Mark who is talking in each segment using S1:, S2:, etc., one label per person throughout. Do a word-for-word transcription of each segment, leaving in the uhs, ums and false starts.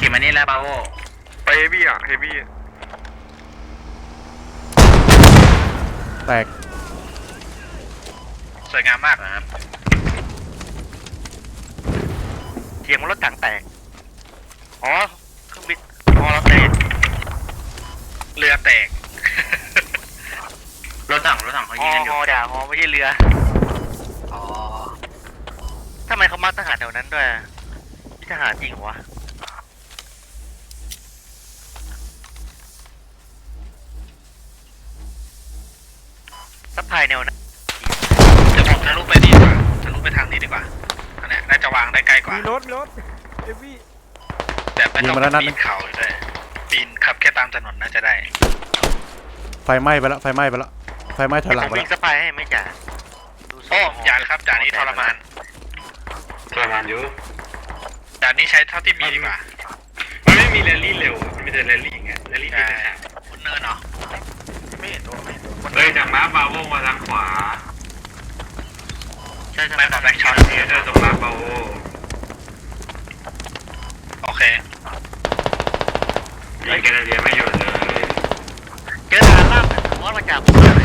S1: ขี่มานี่แล้วบาโว
S2: ไปเฮฟวี่อ่ะเฮฟวี่
S3: แตก
S2: สวยงามมากนะครับเทียงรถถังแตกอ๋อเครื่องบินอ๋อเราแตกเรือแตก
S1: รถถังรถถังเขายิงกันอยู่
S2: ฮอด่าฮอไม่ใช่เรืออ๋อทำไมเขามาทหารแถวนั้นด้วยทหารจริงวะซัพพลายแนวนั้นจะผมทะลุไปดีกว่าทะลุไปทางนี้ดีกว่าอันนี้น่าจะวางได้ใกล้กว่า
S3: มีรถมีรถเอวี่
S2: แต่ไม่ต้องปีนเขาด้วยปีนขับแค่ตามถนนน่าจะได้
S3: ไฟไหม้ไปแล้วไฟไหม้ไปแล้วไฟไหม้ถอยหลังไปแล้ว
S2: วิ่งสปายให้ไม่จ่าโอ้จ่าครับจ่านี้ทรมาน
S4: ทรมานอยู่
S2: จ่านี้ใช้เท่าที่มีดีกว่า
S4: มันไม่มีแรลลี่เร็วมันมีแต่แรลลี่ไงแรลลี่ที่ไหน
S2: บนเนินเหรอไม่เห็นตัวไม่เห็นตัว
S4: เฮ้ยจากม้าบาโวมาทางขวา
S2: ใช่ใช่ไม่แบบแบ็คช็อต
S4: เนี่ยเจอตรงม้าบาโว
S2: โอเค
S4: ยิงแคนาเดียไม่หยุดเลย
S2: เจอทางล่างมอสมาจากผมเลย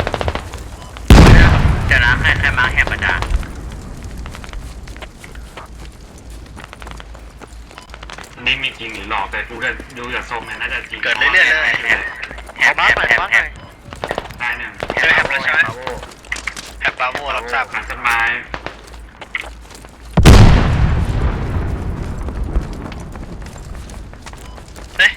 S1: จะนะแค่แค่มาแค่ประจา
S4: นี่มีจริงหรือหลอกแต่ดูกันดูจากทรงเนี่ยน่าจะจริง
S2: เกิดเรื่อยๆเลยแฮปแฮปแฮปแฮป
S4: ได้หนึ่ง
S2: เจอแฮปแล้วใช่ไหมแฮปบาโวรับทราบ
S4: หลังต้นไม้
S2: เฮ้ย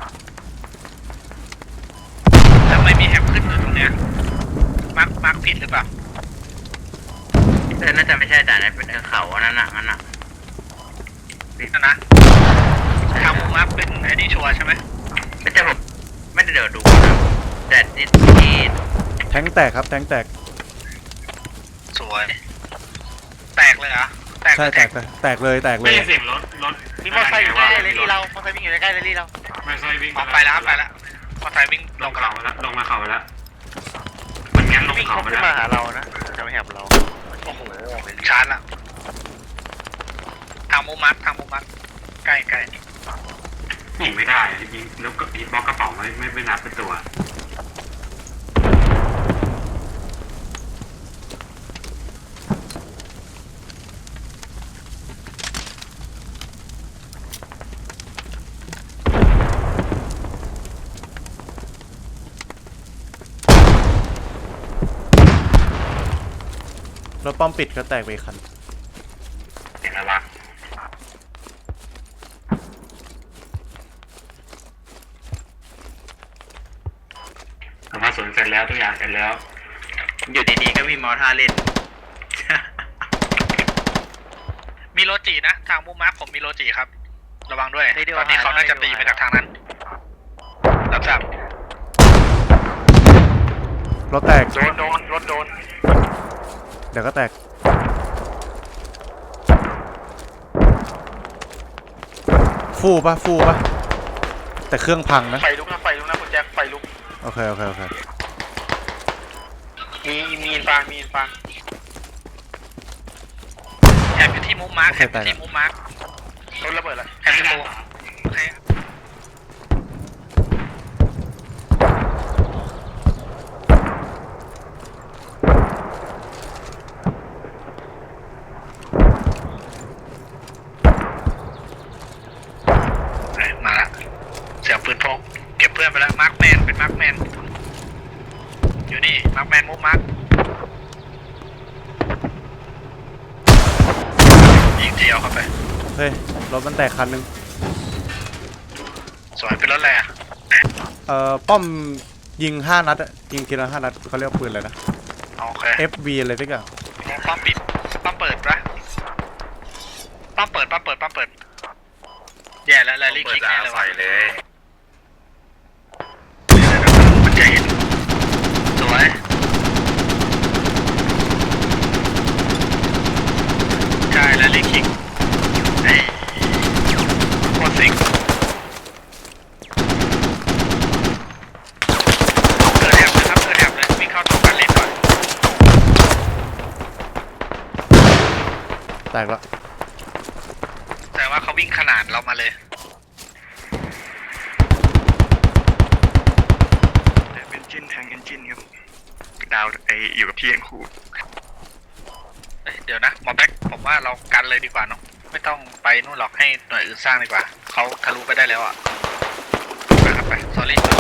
S2: ทำไมมีแฮปขึ้นอยู่ตรงเนี้ยมาร์คมาร์คผิดหรือเปล่า
S1: แต่น่าจะไม่ใช่แต่นั่นเป็นเขาอันนั้นน่ะนั่นน่ะ
S2: ผิดนะนะทางมาร์คเป็นไอ้นี่ชัวร์ใช่ไหม
S1: ไม่ใช่ผมไม่ได้เดี๋ยวดูนะแต่ที่ที่
S3: แทงแตกครับแทงแตก
S2: สวยแตกเลยเหรอแตก
S3: ใช่แตกแตกเลยแตกเล
S4: ไม่
S3: ย
S4: เสียงรถรถ
S2: มีมอเตอร์ไซค์อยู่ใกล้เลยที่เรามอเตอร์ไซค์วิ่งอยู่ใกล้เลยที่เรา
S4: ไม่ใช่วิ่ง
S2: ไปแล้วไปแล้วมอเตอร์ไซค์วิ่ง
S4: ลงเขาไปแล้วลงมาเขาไปแล้วมันงั้นลงเขาไปแล้ว
S2: มาหาเรานะจะไม่แหบเราโอ้โหชาร์จละทางมุมมัดทางมุมมัดใกล้ใกล้
S4: ยิงไม่ได้ยิงแล้วก็ยิงบล็อกกระเป๋าไม่ไม่ไม่นับเป็นตัว
S3: รถป้อมปิดก็แตกไปอีกคัน
S4: เห็นอะไรผมมาสวนเสร็จแล้วทุกอย่างเสร็จแล้ว
S1: อยู่ดีๆก็มีมอท่าเล่น
S2: มีโรจินะทางมุมมัดผมมีโรจิครับระวังด้วยตอนนี้เขาน่าจะตีมาจากทางนั้นรับทราบ
S3: รถแตก
S2: โดนโดนรถโดน
S3: เดี๋ยวก็แตกฟู่ปะฟู่ปะแต่เครื่องพังนะ
S2: ไฟลุกนะไฟลุกนะคุณแจ็คไฟลุก
S3: โอเคโอเคโอเค
S2: มีมีอินฟางมีอินฟางแอบอยู่ที่มุมมาร์คแอบอยู่ที่มุมมาร์ครถระเบิดแล้วแอบประตูโอเคมาละเสียงปืนพกเก็บเพื่อนไปแล้วมาร์คแมนเป็นมาร์คแมนอยู่นี่มาร์คแมนมุมมาร์คยิงเดียวเข้าไป
S3: เฮ้ยรถมันแตกคันนึง
S2: สวยเป็นรถอะไรอ่ะ
S3: เอ่อป้อมยิงห้านัดยิงทีละห้านัดเขาเรียกปืนอะไรนะ
S2: โอเค
S3: เอฟ วี อะไรสักอย่าง
S2: ป้อมปิดป้อมเปิดปะป้อมเปิดป้อมเปิดป้อมเปิดแย่แล้วแรลลี่คิกแน่เลยใส่เลยมันจะเห็นสวยใช่แรลลี่คิกไอ้โคตรสิงเกิดแอบเลยครับเกิดแอบเลยวิ่งเข้าตัวกันเล่นก่อน
S3: แตกแล้ว
S2: แต่ว่าเขาวิ่งขนาดเรามาเลย
S5: กินครับดาวไออยู่กับพี่ยังครู
S2: เอ้ยเดี๋ยวนะหมอแบ็คผมว่าเรากันเลยดีกว่าเนาะไม่ต้องไปนู่นหรอกให้หน่วยอื่นสร้างดีกว่าเขาทะลุไปได้แล้วอ่ะไปครับไป sorry sorry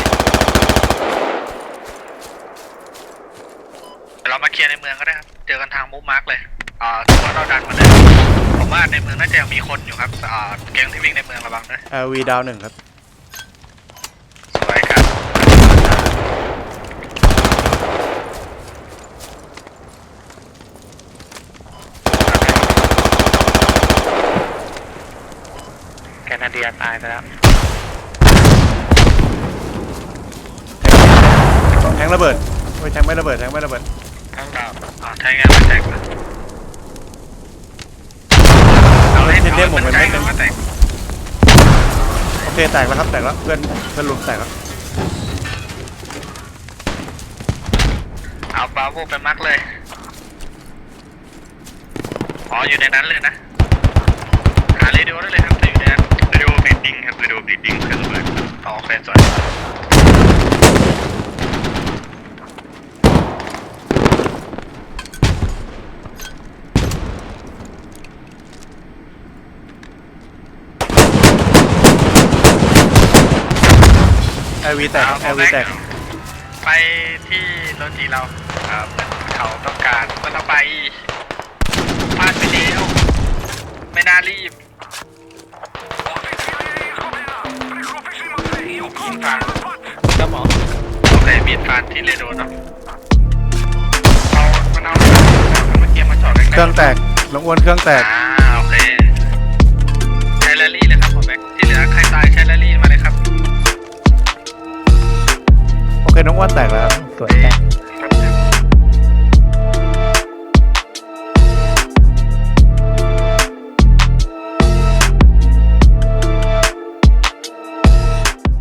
S2: เดี๋ยวเรามาเคลียร์ในเมืองก็ได้ครับเจอกันทางมูฟมาร์กเลยอ่าถือว่าเราดันมาเลยผมว่าในเมืองน่าจะยังมีคนอยู่ครับอ่าแก๊งที่วิ่งในเมืองระวังด้วย
S3: เอลวีดาวหนึ่งครับ
S2: สวยครับแคนาเดียตายไปแล้ว
S3: แทงระเบิดโอ้ยแทงไม่ระเบิดแทงไม่ระเบิด
S2: ทั้งดาวอ่าใช้งานมาแตกนะเอาให้
S3: เทนเดมผมเป็นเม็ดหนึง
S2: มาแตก
S3: โอเคแตกแล้วครับแตกแล้วเพื่อนเพื่อนลุมแตกแล้ว
S2: เอาบาโวไปมักเลยอ๋ออยู่ในนั้นเลยนะหาเรดิโอได้เลยครับจะอยู่ในนั้น
S5: เรดิโอบลีดดิ้งครับเรดิโอบลีดดิ้งเครื่องระเบิด
S2: อ๋อโอเคสวย
S3: เอลวีแตกเอลวีแตก
S2: ไปที่โรจีเราครับเขาต้องการก็ต้องไปพลาดไปแล้วไม่น่ารีบมีดฟานครับหมอโอเคมีดฟานที่เรโดนเนาะเอามันเอาเมื่อกี้มาจอดใกล้ๆ
S3: เครื่องแตกน้องอ้วนเครื่องแตก
S2: อ่าโอเคใช้แรลลี่เลยครับหมอแบ็คที่เหลือใครตายใช้แรลลี่มาเลยครับ
S3: โอเคน้องอ้วนแตกแล้วครับ
S6: สวยแตก